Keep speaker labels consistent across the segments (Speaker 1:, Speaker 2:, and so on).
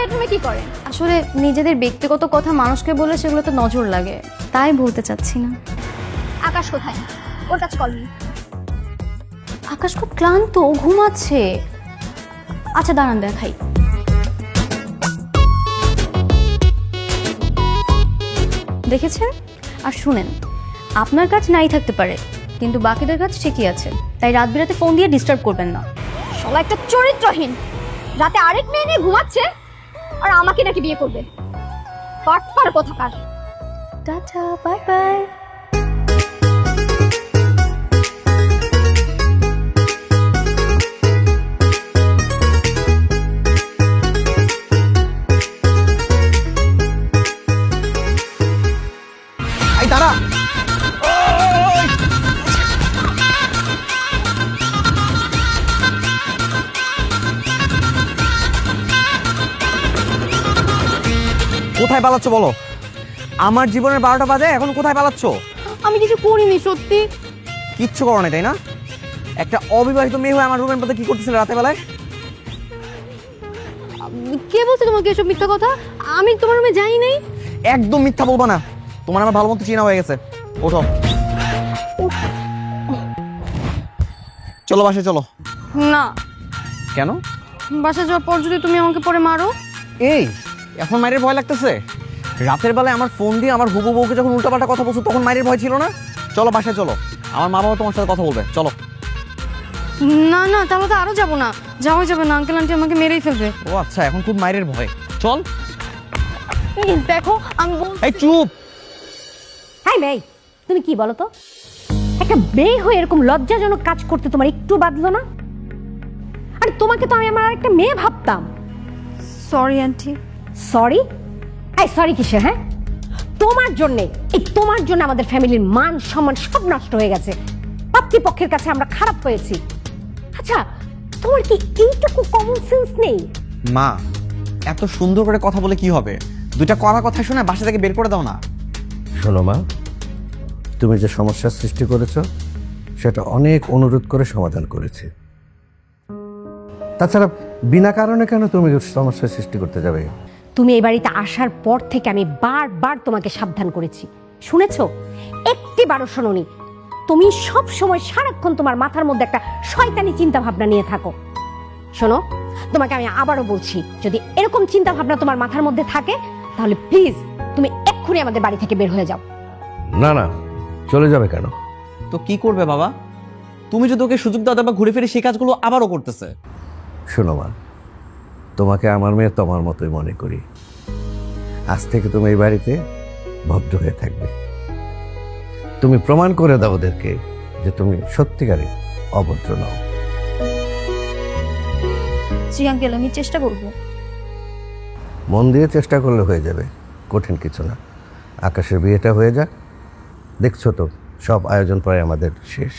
Speaker 1: বেডরুমে কি করেন?
Speaker 2: আসলে নিজেদের ব্যক্তিগত কথা মানুষকে বলে সেগুলোতে নজর লাগে, তাই বলতে চাচ্ছি না।
Speaker 1: আকাশ কোথায়? ওর কাছে কল নেই।
Speaker 2: আকাশ খুব ক্লান্ত, ও ঘুমাচ্ছে। আচ্ছা দাঁড়ান দেখাই। দেখেছেন? আর শুনেন, আপনার কাজ নাই থাকতে পারে, কিন্তু বাকিদের কাজ ঠিকই আছে, তাই রাত বিরাতে ফোন দিয়ে ডিস্টার্ব করবেন না।
Speaker 1: শালা একটা চরিত্রহীন, রাতে আরেক মেয়ে নিয়ে ঘুমাচ্ছে আর আমাকে নাকি বিয়ে করবে। বাটপার কোথাকার।
Speaker 2: Tata, bye bye.
Speaker 3: এই দাঁড়া। কোথায় পালাচ্ছ বলো? আমার জীবনের 12টা বাজে, এখন কোথায় পালাচ্ছ?
Speaker 2: আমি কিছু করিনি সত্যি।
Speaker 3: কিচ্ছু করো না তাই না? একটা অবিবাহিত মেয়ে হয়ে আমার রুমের মধ্যে কি করতেছিলে রাতে বেলায়?
Speaker 2: কে বলছে তোমাকে এসব মিথ্যা কথা? আমি তোমার রুমে যাই নাই।
Speaker 3: একদম মিথ্যা বলবো না, তোমার আমার ভালো মতো চেনা হয়ে গেছে। ওঠো, চলো বাসায় চলো।
Speaker 2: না,
Speaker 3: কেন?
Speaker 2: বাসা যাওয়ার পর যদি তুমি আমাকে পরে মারো।
Speaker 3: এই এখন মায়ের ভয় লাগতেছে? রাতের বেলায় আমার ফোন দিয়ে আমার হুবু বউকে যখন উল্টাপাল্টা কথা বলছো তখন মায়ের ভয় ছিল না? চলো বাসায় চলো, আমার মা বাবা তোমার সাথে কথা বলবে, চলো।
Speaker 2: না না, তাহলে তো আরো যাবো না। যাওয়া যাবে না, আঙ্কেল আন্টি আমাকে মেরেই ফেলবে।
Speaker 3: ও আচ্ছা, এখন খুব মায়ের ভয়। চল।
Speaker 2: দেখো আমি
Speaker 3: এই চুপ।
Speaker 4: হাই মেই, তুমি কি বলো তো? একটা মেয়ে হয়ে এরকম লজ্জাজনক কাজ করতে তোমার একটু বাধলো না? আর তোমাকে তো আমি আমার একটা মেয়ে ভাবতাম।
Speaker 2: Sorry aunty.
Speaker 4: সরি? এই সরি কিসের? হ্যাঁ, তোমার জন্যে, তোমার জন্য আমাদের ফ্যামিলির মান সম্মান সব নষ্ট হয়ে গেছে। পাত্রীপক্ষের কাছে আমরা খারাপ হয়েছি। আচ্ছা, তোমার কি এইটুকু কমন সেন্স নেই?
Speaker 3: মা, এত সুন্দর করে কথা বলে কি হবে? দুইটা কড়া কথা শুনে বাসা থেকে বের করে দাও না।
Speaker 5: শোনো মা, তুমি যে সমস্যার সৃষ্টি করেছ সেটা অনেক অনুরোধ করে সমাধান করেছি। তাছাড়া বিনা কারণে কেন তুমি সমস্যার সৃষ্টি করতে যাবে?
Speaker 4: তুমি এই বাড়িতে আসার পর থেকে আমি বারবার তোমাকে সাবধান করেছি, শুনেছো? একটিবারও শোনোনি। তুমি সব সময় সারাক্ষণ তোমার মাথার মধ্যে একটা শয়তানি চিন্তা ভাবনা নিয়ে থাকো। শোনো, তোমাকে আমি আবারও বলছি, যদি এরকম চিন্তা ভাবনা তোমার মাথার মধ্যে থাকে তাহলে প্লিজ তুমি এক্ষুনি আমাদের বাড়ি থেকে বের হয়ে যাও।
Speaker 5: না না, চলে যাবে কেন?
Speaker 3: তো কি করবে বাবা? তুমি যদি ওকে সুযোগ দাও বা ঘুরে ফিরে সেই কাজগুলো আবারও করতেছে।
Speaker 5: শোনো মা, তোমাকে আমার মেয়ে তোমার মতোই মনে করি। আজ থেকে তুমি এই বাড়িতে ভদ্র হয়ে থাকবে। তুমি প্রমাণ করে দাও ওদেরকে যে তুমি সত্যিকারে অভদ্র নও।
Speaker 2: জি আঙ্কেল, আমি চেষ্টা করবো।
Speaker 5: মন দিয়ে চেষ্টা করলে হয়ে যাবে, কঠিন কিছু না। আকাশের বিয়েটা হয়ে যাক, দেখছো তো সব আয়োজন প্রায় আমাদের শেষ।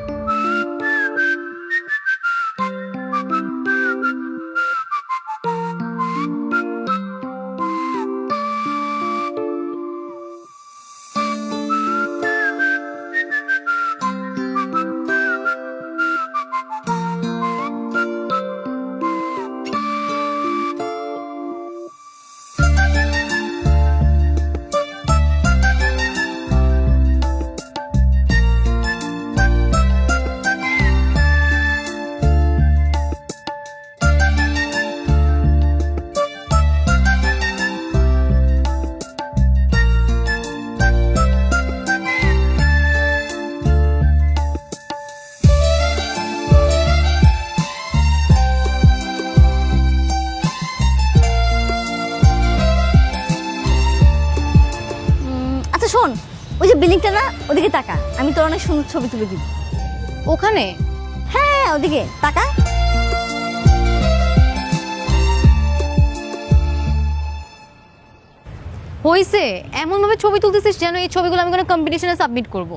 Speaker 1: আচ্ছা শোন, ওই যে বিল্ডিংটা না, ওদিকে তাকা, আমি তোর অনেক সুন্দর ছবি তুলে দিব।
Speaker 2: ওখানে?
Speaker 1: হ্যাঁ ওদিকে তাকা।
Speaker 2: হইছে, এমন ভাবে ছবি তুলতেছিস যেন এই ছবিগুলো আমি কোনো কম্পিটিশনে সাবমিট করব।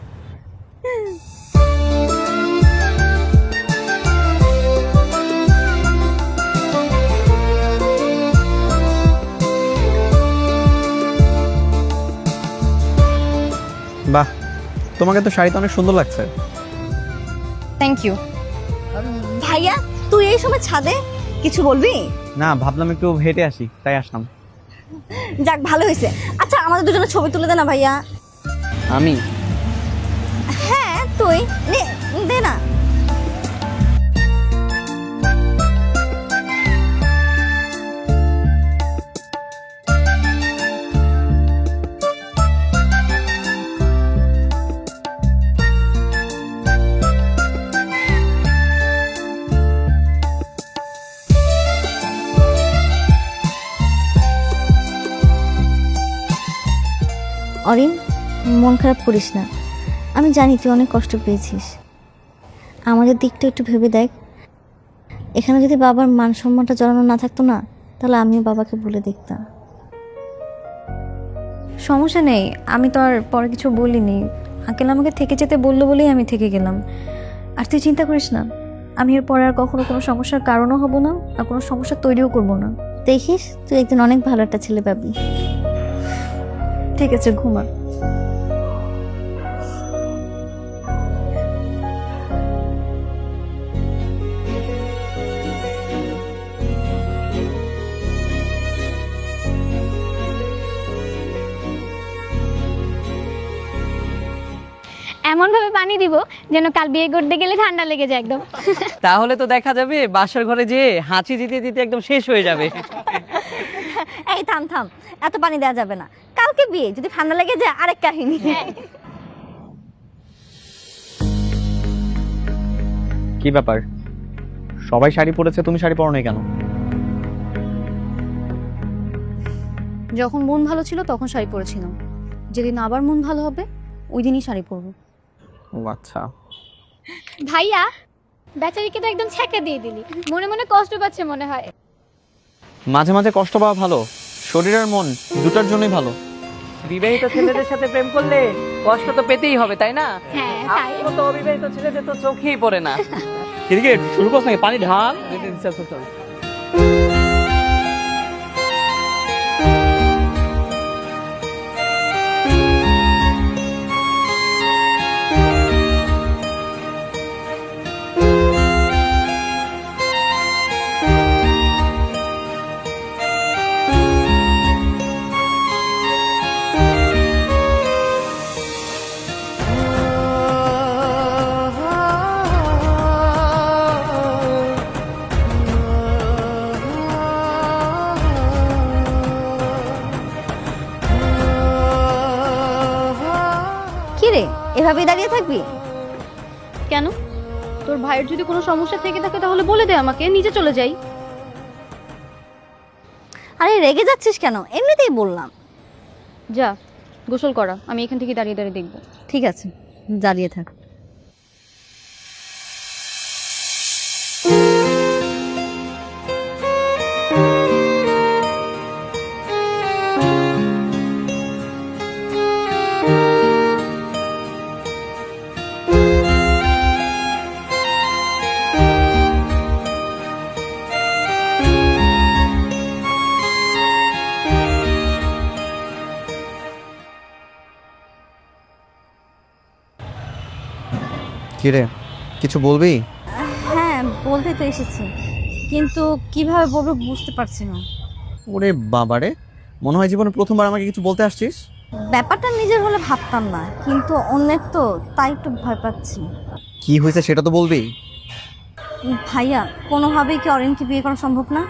Speaker 3: বাহ, তোমাকে তো শাড়িতে অনেক সুন্দর লাগছে।
Speaker 2: Thank you.
Speaker 1: ভাইয়া তুই এই সময় ছাদে, কিছু বলবি?
Speaker 3: না, ভাবলাম একটু হেঁটে আসি, তাই আসলাম।
Speaker 2: যাক ভালো হয়েছে। আচ্ছা আমাদের দুজনে ছবি তুলে দে না ভাইয়া।
Speaker 3: আমি?
Speaker 2: হ্যাঁ তুই নে, দে না। অরিন, মন খারাপ করিস না, আমি জানি তুই অনেক কষ্ট পেয়েছিস। আমাদের দিকটা একটু ভেবে দেখ, এখানে যদি বাবার মান সম্মানটা জড়ানো না থাকতো না, তাহলে আমিও বাবাকে বলে দেখতাম। সমস্যা নেই, আমি তো আর পরে কিছু বলিনি। আঙ্কেল আমাকে থেকে যেতে বললো বলেই আমি থেকে গেলাম। আর তুই চিন্তা করিস না, আমি এর পরে আর কখনো কোনো সমস্যার কারণও হব না, আর কোনো সমস্যা তৈরিও করব না। দেখিস তুই একদিন অনেক ভালো একটা ছেলে পাবি। ঠিক আছে, ঘুমা।
Speaker 1: এমন ভাবে পানি দিব যেন কাল বিয়ে করতে গেলে ঠান্ডা লেগে যায় একদম।
Speaker 6: তাহলে তো দেখা যাবে বাসার ঘরে যে হাঁচি দিতে দিতে একদম শেষ হয়ে যাবে।
Speaker 2: এই থাম থাম, এত পানি দেওয়া যাবে না, কালকে বিয়ে, যদি ঠান্ডা লেগে যায় আরেক কাহিনী।
Speaker 3: কি ব্যাপার, সবাই শাড়ি পরেছে, তুমি শাড়ি পরো নাই কেন?
Speaker 2: যখন মন ভালো ছিল তখন শাড়ি পরেছিলাম, যেদিন আবার মন ভালো হবে ওই দিনই শাড়ি পরবো।
Speaker 3: ও আচ্ছা।
Speaker 1: ভাইয়া, বেচারিকে তো একদম ছ্যাঁকা দিয়ে দিলি, মনে মনে কষ্ট পাচ্ছে মনে হয়।
Speaker 3: মাঝে মাঝে কষ্ট পাওয়া ভালো, শরীর আর মন দুটার জন্যই ভালো।
Speaker 6: বিবাহিত ছেলেদের সাথে প্রেম করলে কষ্ট তো পেতেই হবে, তাই না?
Speaker 1: হ্যাঁ তাই।
Speaker 6: আমার তো অবিবাহিত ছেলেদের তো চোখেই পড়ে না।
Speaker 3: এদিকে শুরু করছ নাকি? পানি ঢাল।
Speaker 2: কি রে, এভাবেই দাঁড়িয়ে থাকবি?
Speaker 1: কেন, তোর ভাইয়ের যদি কোনো সমস্যা থেকে থাকে তাহলে বলে দে আমাকে, নিচে চলে যাই।
Speaker 2: আরে রেগে যাচ্ছিস কেন, এমনিতেই বললাম।
Speaker 1: যা গোসল করা, আমি এখান থেকে দাঁড়িয়ে দাঁড়িয়ে দেখবো।
Speaker 2: ঠিক আছে, দাঁড়িয়ে থাক।
Speaker 3: কি রে, কিছু বলবি?
Speaker 2: হ্যাঁ বলতে তো এসেছি, কিন্তু কিভাবে বলবো বুঝতে পারছি না।
Speaker 3: ওরে বাবারে, মনে হয় জীবনে প্রথমবার আমাকে কিছু বলতে আসছিস।
Speaker 2: ব্যাপারটা নিজের হলে ভাবতাম না, কিন্তু অন্যের তো, তাই একটু ভয় পাচ্ছি।
Speaker 3: কি হয়েছে সেটা তো বলবি।
Speaker 2: ভাইয়া, কোনোভাবেই কি অরিনকে বিয়ে করা সম্ভব না?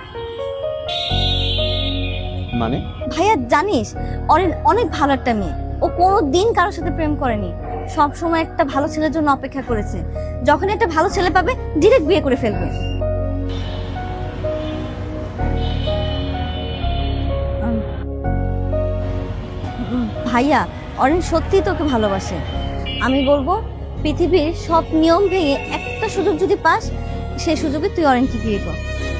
Speaker 3: মানে?
Speaker 2: ভাইয়া জানিস, অরিন অনেক ভালো একটা মেয়ে, ও কোনো দিন কারোর সাথে প্রেম করেনি, সব সময় একটা ভালো ছেলের জন্য অপেক্ষা করেছে। যখন একটা ভালো ছেলে পাবে ডিরেক্ট বিয়ে করে ফেলবে। ভাইয়া, অরিন সত্যিই তোকে ভালোবাসে। আমি বলবো পৃথিবীর সব নিয়ম ভেঙে একটা সুযোগ যদি পাস, সেই সুযোগে তুই অরিনকে বিয়ে কর।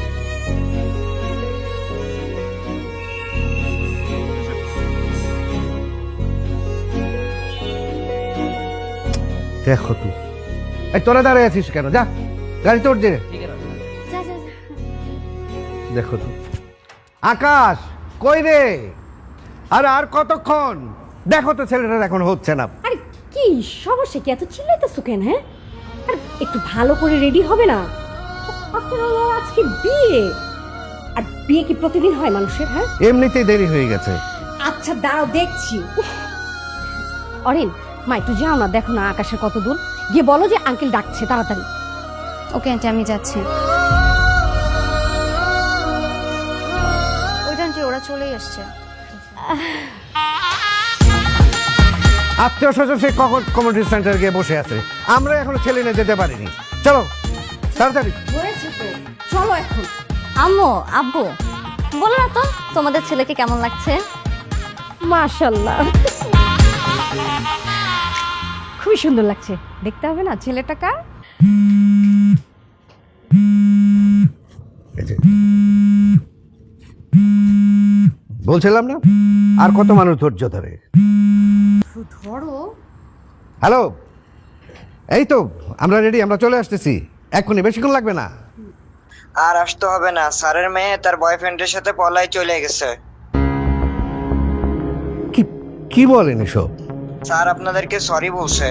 Speaker 5: দেখো তুই, এই তোরা দাঁড়িয়ে আছিস কেন? যা গাড়ি তোর যে।
Speaker 2: যা যা যা।
Speaker 5: দেখো তুই, আকাশ কই রে? আর কতক্ষণ? দেখো তো ছেলেটার এখন হচ্ছে না।
Speaker 4: আরে কি সমস্যা, কি এত চিল্লাইতেছো কেন? হ্যাঁ, আর একটু ভালো করে রেডি হবে না? আপনার আজকে বিয়ে, আর বিয়ে কি প্রতিদিন হয় মানুষের? হ্যাঁ,
Speaker 5: এমনিতেই দেরি হয়ে গেছে।
Speaker 4: আচ্ছা দাঁড়াও দেখছি। উফ। অরিন, মা একটু যাও না, দেখো না আকাশের কত দূর, গিয়ে বলো যে আঙ্কেল ডাকছে তাড়াতাড়ি।
Speaker 2: ওকে আন্টি, আমি যাচ্ছি। ওইটা আন্টি, ওরা চলেই আসছে।
Speaker 5: আত্মীয় স্বজন সে কখন কমিউনিটি সেন্টার গিয়ে বসে আছে, আমরা এখনো ছেলে নিয়ে যেতে পারিনি। চলো তাড়াতাড়ি।
Speaker 4: হয়েছে তো, চলো এখন।
Speaker 2: আম্মু, আব্বু, বলো না তো তোমাদের ছেলেকে কেমন লাগছে?
Speaker 4: মাশাআল্লাহ, খুবই সুন্দর লাগছে। দেখতে হবে না ছেলেটা কার?
Speaker 5: এই যে, বলছিলাম না আর কত মানুষ ধৈর্য ধরে।
Speaker 2: ধরো।
Speaker 5: হ্যালো, এই তো আমরা রেডি, আমরা চলে আসতেছি এক্ষুনি, বেশিক্ষণ লাগবে না।
Speaker 7: আর আসতে হবে না, স্যারের মেয়ে তার বয়ফ্রেন্ডের সাথে পলায় চলে গেছে।
Speaker 5: কি কি বলেন এসব?
Speaker 7: স্যার আপনাদেরকে সরি বলছে।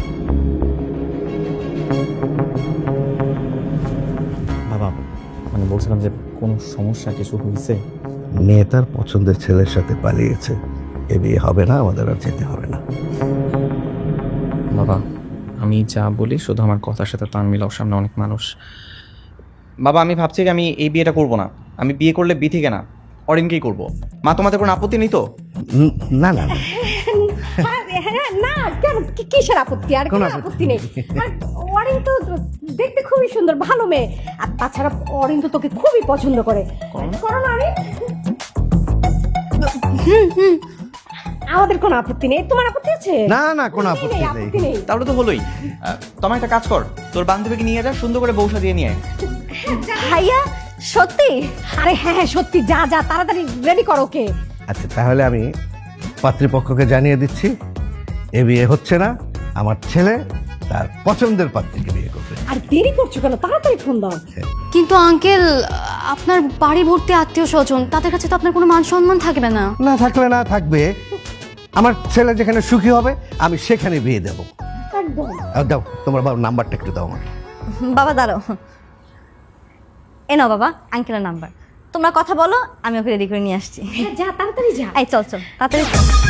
Speaker 3: বাবা মানে বলছিলাম যে কোনো সমস্যা কিছু হয়েছে?
Speaker 5: মেয়ে তার পছন্দের ছেলের সাথে পালিয়েছে, এ বিয়ে হবে না, আমাদের আর যেতে হবে না।
Speaker 8: বাবা আমি যা বলি শুধু আমার কথার সাথে তাল মিলাও, সামনে অনেক মানুষ।
Speaker 3: বাবা আমি ভাবছি যে আমি এই বিয়েটা করব না। আমি বিয়ে করলে বিথিকে না, অরিনকেই করব। মা তোমাদের কোনো আপত্তি নেই তো?
Speaker 5: না না না।
Speaker 4: হ্যাঁ, না কেন, কিসের আপত্তি? আর কোনো আপত্তি নেই। আর অরিন তো দেখতে খুবই সুন্দর, ভালো মেয়ে। আর তাছাড়া অরিন তো তোকে খুবই পছন্দ করে। করো না অরিন? আমাদের কোনো আপত্তি নেই, তোমার আপত্তি আছে?
Speaker 5: না না, কোনো আপত্তি নেই।
Speaker 4: আপত্তি নেই।
Speaker 3: তাহলে তো হলোই। তোমার একটা কাজ কর, তোর বান্ধবীকে নিয়ে যা, সুন্দর করে বউসা দিয়ে নিয়ে আয়।
Speaker 2: ভাইয়া, সত্যি?
Speaker 4: আরে হ্যাঁ হ্যাঁ সত্যি, যা যা তাড়াতাড়ি রেডি করো ওকে।
Speaker 5: আচ্ছা তাহলে আমি পাত্রীপক্ষকে জানিয়ে দিচ্ছি, এ বিয়ে হচ্ছে না, আমার ছেলে তার পছন্দের পাত্রীকে বিয়ে করবে।
Speaker 4: আর দেরি করছো কেন, তাড়াতাড়ি ফোন দাও।
Speaker 2: কিন্তু আঙ্কেল, আপনার বাড়ি ভর্তি আত্মীয় স্বজন, তাদের কাছে তো আপনার কোনো মান সম্মান থাকবে না।
Speaker 5: না থাকলে না থাকবে, আমার ছেলে যেখানে সুখী হবে আমি সেখানে বিয়ে দেবো।
Speaker 4: একদম।
Speaker 5: দাও তোমার বাবার নাম্বারটা একটু দাও আমার।
Speaker 2: বাবা দাঁড়াও, এ নাও বাবা আঙ্কেলের নাম্বার। তোমরা কথা বলো, আমি ওকে রেডি করে নিয়ে আসছি।
Speaker 4: যা তাড়াতাড়ি যা।
Speaker 2: এই চল চল তাড়াতাড়ি চল।